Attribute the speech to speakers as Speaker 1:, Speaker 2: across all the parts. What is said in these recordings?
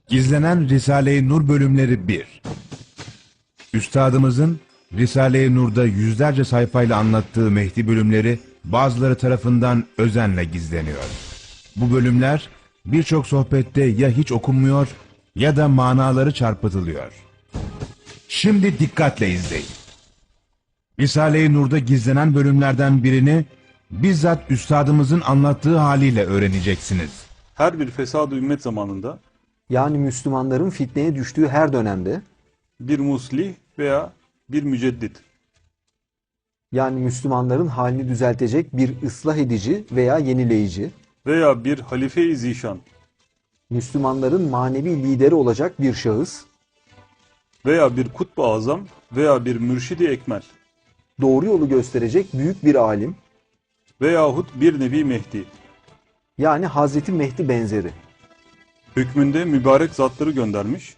Speaker 1: Gizlenen Risale-i Nur bölümleri 1. Üstadımızın Risale-i Nur'da yüzlerce sayfayla anlattığı Mehdi bölümleri bazıları tarafından özenle gizleniyor. Bu bölümler birçok sohbette ya hiç okunmuyor ya da manaları çarpıtılıyor. Şimdi dikkatle izleyin. Risale-i Nur'da gizlenen bölümlerden birini bizzat üstadımızın anlattığı haliyle öğreneceksiniz.
Speaker 2: Her bir fesad-ı ümmet zamanında
Speaker 3: Yani Müslümanların fitneye düştüğü her dönemde,
Speaker 2: bir muslih veya bir müceddit
Speaker 3: yani Müslümanların halini düzeltecek bir ıslah edici veya yenileyici,
Speaker 2: veya bir halife-i zişan
Speaker 3: Müslümanların manevi lideri olacak bir şahıs,
Speaker 2: veya bir kutb-ı azam veya bir mürşidi ekmel
Speaker 3: doğru yolu gösterecek büyük bir alim,
Speaker 2: veyahut bir nebi Mehdi
Speaker 3: yani Hazreti Mehdi benzeri.
Speaker 2: hükmünde mübarek zatları göndermiş,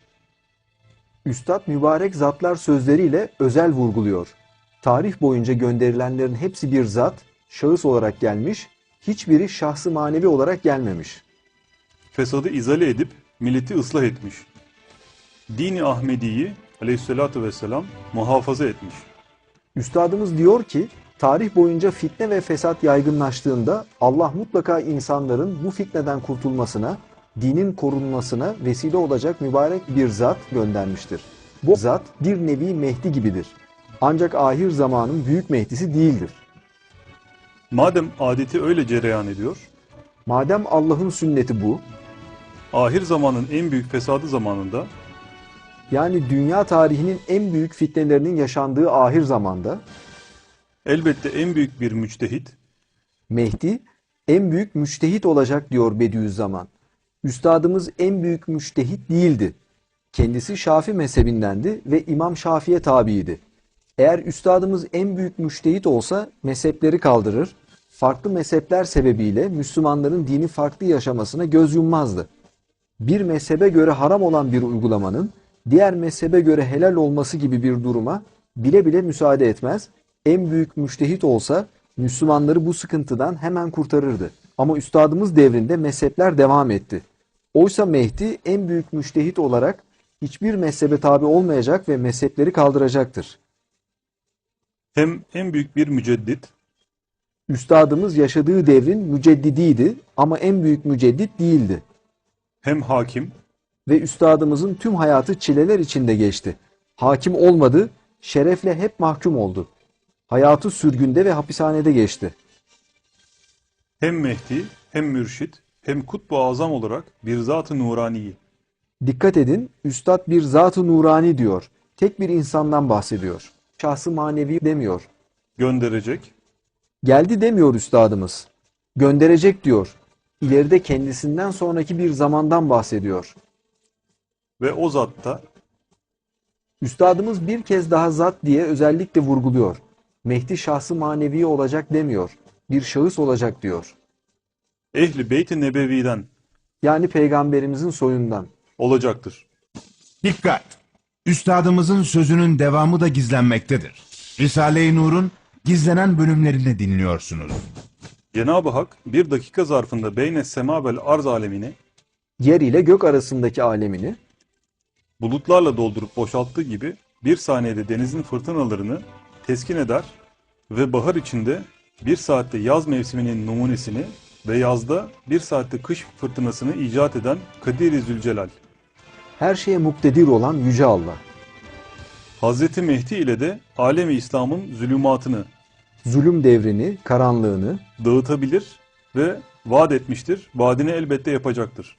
Speaker 3: Üstad mübarek zatlar sözleriyle özel vurguluyor. Tarih boyunca gönderilenlerin hepsi bir zat, şahıs olarak gelmiş, hiçbiri şahsı manevi olarak gelmemiş.
Speaker 2: fesadı izale edip milleti ıslah etmiş. Dini Ahmedi'yi aleyhissalatu vesselam muhafaza etmiş.
Speaker 3: Üstadımız diyor ki, tarih boyunca fitne ve fesat yaygınlaştığında Allah mutlaka insanların bu fitneden kurtulmasına, dinin korunmasına vesile olacak mübarek bir zat göndermiştir. Bu zat bir nevi Mehdi gibidir. Ancak ahir zamanın büyük Mehdisi değildir.
Speaker 2: Madem adeti öyle cereyan ediyor,
Speaker 3: Madem Allah'ın sünneti bu,
Speaker 2: ahir zamanın en büyük fesadı zamanında
Speaker 3: yani dünya tarihinin en büyük fitnelerinin yaşandığı ahir zamanda,
Speaker 2: elbette en büyük bir müçtehit,
Speaker 3: Mehdi en büyük müçtehit olacak diyor Bediüzzaman. Üstadımız en büyük müçtehit değildi. Kendisi Şafii mezhebindendi ve İmam Şafii'ye tabiydi. Eğer üstadımız en büyük müçtehit olsa mezhepleri kaldırır, farklı mezhepler sebebiyle Müslümanların dini farklı yaşamasına göz yummazdı. Bir mezhebe göre haram olan bir uygulamanın diğer mezhebe göre helal olması gibi bir duruma bile bile müsaade etmez. En büyük müçtehit olsa Müslümanları bu sıkıntıdan hemen kurtarırdı. Ama üstadımız devrinde mezhepler devam etti. Oysa Mehdi en büyük müçtehit olarak hiçbir mezhebe tabi olmayacak ve mezhepleri kaldıracaktır.
Speaker 2: hem en büyük bir müceddit,
Speaker 3: Üstadımız yaşadığı devrin müceddidiydi ama en büyük müceddit değildi.
Speaker 2: hem hakim,
Speaker 3: Ve üstadımızın tüm hayatı çileler içinde geçti. Hakim olmadı, şerefle hep mahkum oldu. Hayatı sürgünde ve hapishanede geçti.
Speaker 2: hem Mehdi, hem mürşit, hem kutb-ı azam olarak bir zat-ı nuraniyi.
Speaker 3: Dikkat edin, üstad bir zat-ı nurani diyor. Tek bir insandan bahsediyor. Şahsı manevi demiyor.
Speaker 2: Gönderecek,
Speaker 3: Geldi demiyor üstadımız. Gönderecek diyor. İleride kendisinden sonraki bir zamandan bahsediyor.
Speaker 2: ve o zatta
Speaker 3: Üstadımız bir kez daha zat diye özellikle vurguluyor. Mehdi şahsı manevi olacak demiyor. Bir şahıs olacak diyor.
Speaker 2: Ehli Beyt-i Nebevi'den
Speaker 3: Yani peygamberimizin soyundan.
Speaker 2: olacaktır.
Speaker 1: Dikkat! Üstadımızın sözünün devamı da gizlenmektedir. Risale-i Nur'un gizlenen bölümlerini dinliyorsunuz.
Speaker 2: Cenab-ı Hak bir dakika zarfında beyne sema vel arz alemini
Speaker 3: Yer ile gök arasındaki alemini
Speaker 2: bulutlarla doldurup boşalttığı gibi bir saniyede denizin fırtınalarını teskin eder ve bahar içinde bir saatte yaz mevsiminin numunesini ve yazda bir saatte kış fırtınasını icat eden Kadir-i Zülcelal,
Speaker 3: her şeye muktedir olan Yüce Allah.
Speaker 2: Hazreti Mehdi ile de alemi İslam'ın zulümatını
Speaker 3: Zulüm devrini, karanlığını,
Speaker 2: dağıtabilir ve vaat etmiştir. Vaadini elbette yapacaktır.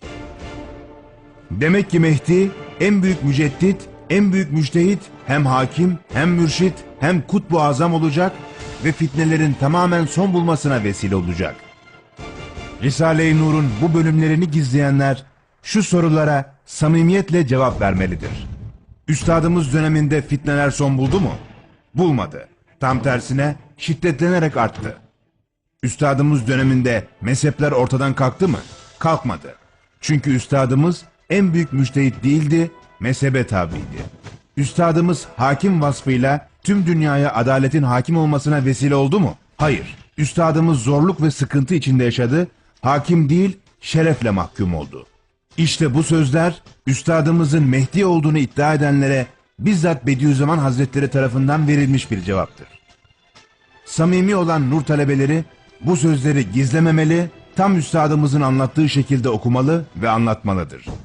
Speaker 1: Demek ki Mehdi en büyük müceddit, en büyük müçtehit, hem hakim, hem mürşit, hem kutb-ı azam olacak ve fitnelerin tamamen son bulmasına vesile olacak. Risale-i Nur'un bu bölümlerini gizleyenler şu sorulara samimiyetle cevap vermelidir. Üstadımız döneminde fitneler son buldu mu? Bulmadı. Tam tersine şiddetlenerek arttı. Üstadımız döneminde mezhepler ortadan kalktı mı? Kalkmadı. Çünkü üstadımız en büyük müçtehit değildi, mezhebe tabiydi. Üstadımız hakim vasfıyla tüm dünyaya adaletin hakim olmasına vesile oldu mu? Hayır. Üstadımız zorluk ve sıkıntı içinde yaşadı, hakim değil, şerefle mahkum oldu. İşte bu sözler üstadımızın Mehdi olduğunu iddia edenlere bizzat Bediüzzaman Hazretleri tarafından verilmiş bir cevaptır. Samimi olan nur talebeleri bu sözleri gizlememeli, tam üstadımızın anlattığı şekilde okumalı ve anlatmalıdır.